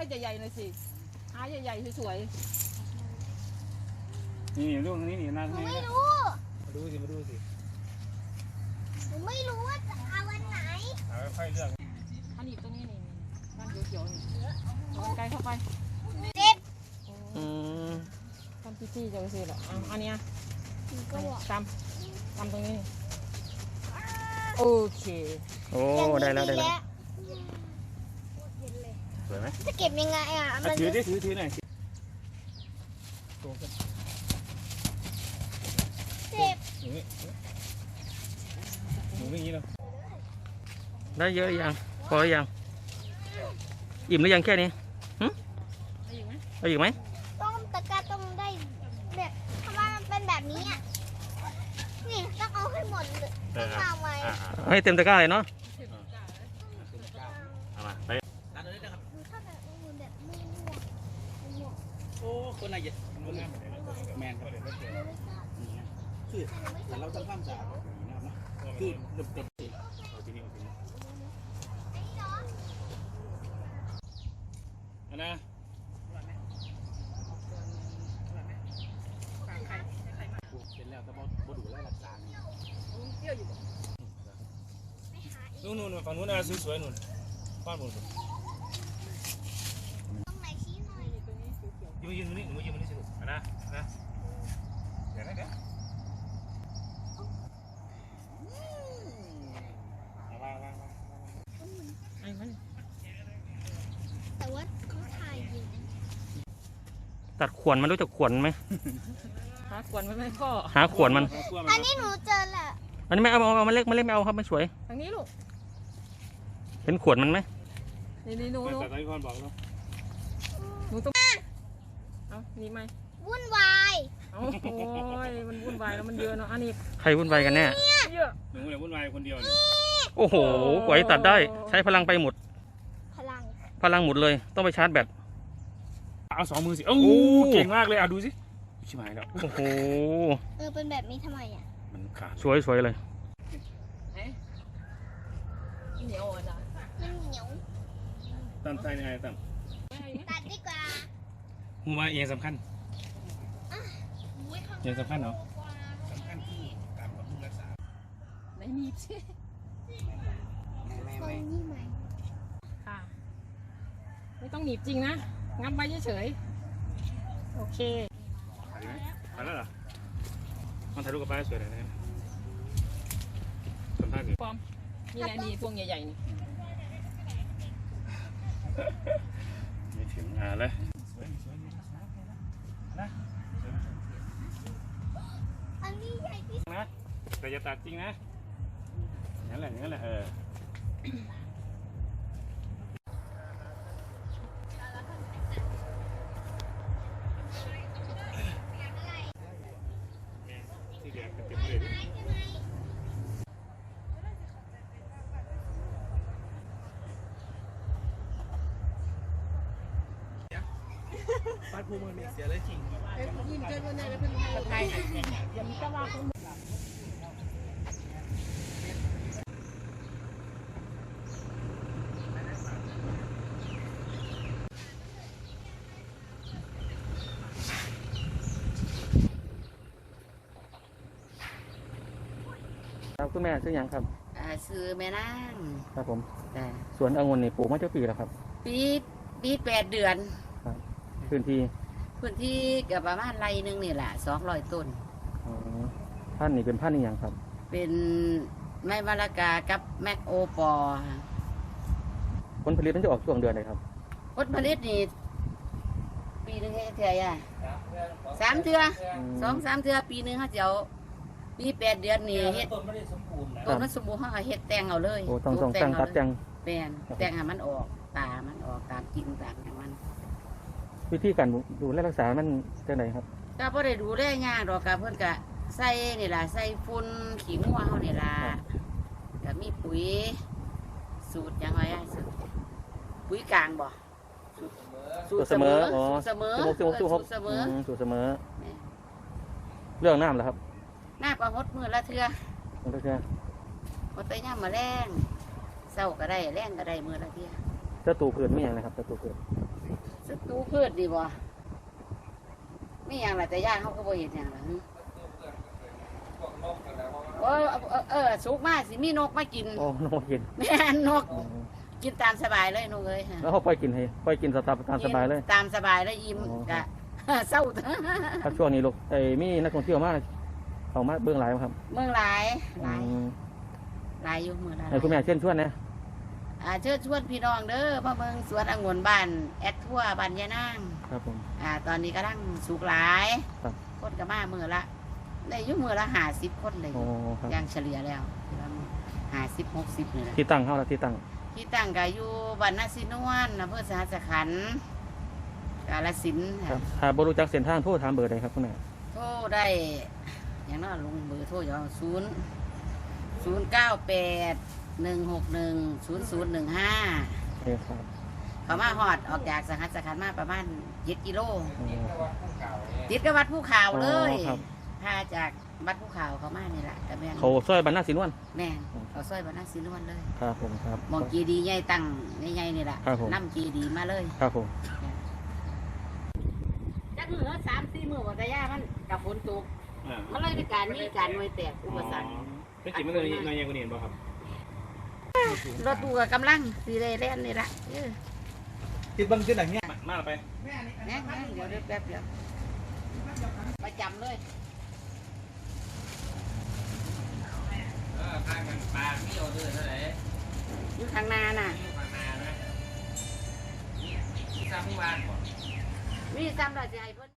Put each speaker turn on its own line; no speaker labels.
ใหญ่ๆหน่อยสิหาใหญ่ๆสวย
นี่ลูกนี้นี่น่า
หนู
ให้
ไม่รู้
มาดูสิมาดูสิ
หนูไม่รู้ว่าจะเอาวันไหน
เอาค่อยเลือก
ๆอันนี้ตรงนี้นี่บ้านเขียวๆนี่เอาไกลเข้าไป
เจ็บ
ทำจี้ๆจะไปซื้อหรออันนี้
หนูก็บอก
ตำตรงนี้นี่โอเค
โอ้ได้แล้วได้แล้ว
สวยไหม
จะเก็บยังไงอ่ะมัน
ถือดิถือหน่อยโตกัน
เจ็บ
หนูนี่อย่างนี้เนาะ
ได้เยอะหรือยังพอหรือยังอิ่มหรือยังแค่นี้เอาอีกไหม
ต้องตะกร้าต้องได้แบบทำไมมันเป็นแบบนี้อ่ะนี่ต้องเอาให้หมดเลยต้องวางไว้
ให้เต็มตะกร้าเลยเนาะ
เอามาไป
หนูชอบแบบอื่นแบบม่วง
โอ้คนไหนจะแมนครับคือแต่เราต้องทำสะอาดแบบนี้นะครับนะคือเริ่มต้น
เอาที่นี่เอาที่นี่อันนะ
เป็นแล้วแต่บ่ดูแลรักษา
นู่นฝั่งนู้นนะสวยๆนู่นบ้านบน
ๆตรงไหนชี้หน่อย
ยืนตรงนี้หนูยืนตรงนี้สิลูกนะเดี๋ยวนะเดี๋ยววาง
ไอ้มัน
แต่ว่าเขาถ่ายอยู่
ตัดขวนมันรู้จักขวนไหม
หาขวนมันไม่พ่อ
หาขวนมัน
อันนี้หนูเจอแหละ
อันนี้ไม่เอามันเล็กไม่เอาครับไม่สวย
ทางนี้ลูก
เห็นขวนมันไหม
นี่หนู
แต่ตอนนี้พ่อบอกแล้ว
ต้องเอานี่ไหม
วุ่นวาย
เอาโอ้ยมันวุ่นวายแล้วมันเยอะเนาะอันนี้
ใครวุ่นวายกันแน่
เยอะ
หนูเนี่ยวุ่นวายคนเดียวเนี่ย
โอ้โหกว่าจะตัดได้ใช้พลังไปหมด
พลัง
หมดเลยต้องไปชาร์จแบต
เอา2 มือสิโอ้เก่งมากเลยดูสิชิบหายแล้ว
โอ้โห
เป็นแบบนี้ทำไมอ่ะ
มันขาด
สวยเลย
เหนียวอ่ะนะ
มันเหนียว
ตั้มใจยังไงตั้ม
ตัดดีกว่า
มูมาเองสำคัญเองสำคัญเหรอ
สำคัญที่การบำรุงรักษา
ไม่มีสิ
ตรงนี้ไหม
ค่ะไม่ต้องหนีบจริงนะงับไว้เฉยๆโอเค
ถ่ายไหมถ่ายแล้วเหรอมันถ่ายรูปกับป้าสวยเลยนะสัมภาษณ์สิ
ปอมนี่แหละนี่พวงใหญ่ๆนี่
ไม่ถึงเลยนะ
อันนี้ใหญ่ที่สุด
นะแต่อย่าตัดจริงนะอย่างนั้นแหละที่แกเป็นเต็มเลย
ฟาดภูมิมันเสียเลยจริง
ไทยอย่ามีกระว่าคน
ครับคุณแม่ซื้อยังครับ
ซื้อแม่นาง
ครับผม
แต่
สวนองุ่นนี่ปลูกมาเจ้าปีแล้วครับ
ปี8 เดือน
พื้นที่
พื้นที่กับประมาณไรหนึงนี่แหละ200 ต้น
อ๋อพันธุ์นี่เป็นพันธุ์นี่ยังครับ
เป็นไม้มะละกากับแมกโอปอค่ะ
ผลผลิตมันจะออกช่วงเดือนไหนครับ
ผลผลิตนี่ปีหนึงให้เท่าไหร่3 เทื่อ2-3 เทื่อปีหนึงเขาจะเอาปี8 เดือนนี่เฮ็ดต้นมันสมบูรณ์เขาก็เฮ็ดแต่งเอาเลย
โอ้ต้องแต่งตัดแต่ง
แปลนแต่งให้มันออกตามันออกตามกิ่งตามอย่างมัน
วิธีการดูแลรักษามันจะไหนครับ
ก็บ่ได้ดูแลยากดอกก็เพิ่นก็ใส่นี่ล่ะใส่ฝุ่นขี้งัวเฮานี่ล่ะก็มีปุ๋ยสูตรหยังไงอะสูตรปุ๋ยกลางบ่สูตรเสมอ
อ๋อ
สูตรเสมอ
สูตร
สูตรเสมอ
สูตรเสมอ เรื่องน้ำเหรอครับ
หน้าปลาหดมื้อละเทื่อ
มันก็จะ
หดแต่ยามมื้อแรงเช้าก็ได้แรงก็ได้มื้อละเทื่อ
เจ้าตูเกิดไม่ยังนะครับเจ้าตูเกิด
สตูพืชดีบ่มีอย่างไรแต่ย่างเขาก็บ่เห็นอย่างไรสุกมากสิมีนกมากิน
โอ้นกกิน
แม่นกกินตามสบายเลยนกเลย
แล้วเขาปล่อยกินให้ปล่อยกินตามสบายเลย
ตามสบายเลยอิ่มกะ เศร้า
ถ้าช่วงนี้ลูกมีนักท่องเที่ยวมากเขามาเบื้องหลายครับ
เมืองหลายอยู่เมืองหลาย
ให้คุณแม่เชิญชวนนะ
เชิญชวนพี่น้องเด้อมาเมืองสวนองุ่นบ้านแอดทั่วบ้านยานาง
ครับผม
ตอนนี้กำลังสุกหลาย
ครับ
คนก็มาเมือละได้อยุ่มือละ50 คนเลย
โอ้ครับ
อย่างเฉลี่ยแล้ว50-60นี่แหละ
ที่ตั้งเขาละที่ตั้ง
ที่ตั้งก็อยู่บ้านนาซินวนอำเภอสหัสขันธ์กาฬสินธุ์
ครั
ค่ะ
บถ้าบรู้จักเส้นทางโทรถามเบอร์ใดครับคุณแม่
โทรได้อย่างนั้นลงเบอร์โทรอยู่098-161-0015
โอเคครับ
เขามาฮอดออกจากสหัสขันธ์มาประมาณ7 กิโล
อ๋อ
ติดกับวัดภูเขาเลย
อ๋อครับ
พาจากวัดภูเขาเขามานี่แหละกับแม่น
เขาซอยบรรณาสินวน
แม่นเขาซอยบ้านนาซินวนเลย
ครับผมครับ
มองกีดีใหญ่ตั้งใหญ่ๆนี่แหละ
ครับผม
น้ำกีดีมาเลย
ครับผม
จักมือ3-4 มือว่าแต่ย่ามันกับฝนตกมันเลยในการมีการหน่วยแตกอุปสรรค
เป็นจิ๋มมันเลยนายยังกูเห็นป่ะครับ
รถตู้กับกำลังสีเรเล่นนี่ละ
ติดบังขึ้นอย่างเงี้ย
มาไป
แน่เดี๋ยวแป๊บเดียวประจำเลย
ทางมันปลาไม่เอาด้วยเท่าไหร่
อยู่ทางนาน่ะ
ปลานานะที่ทำที่วานก่อน
มีซ้ำเราจะให้เพิ่น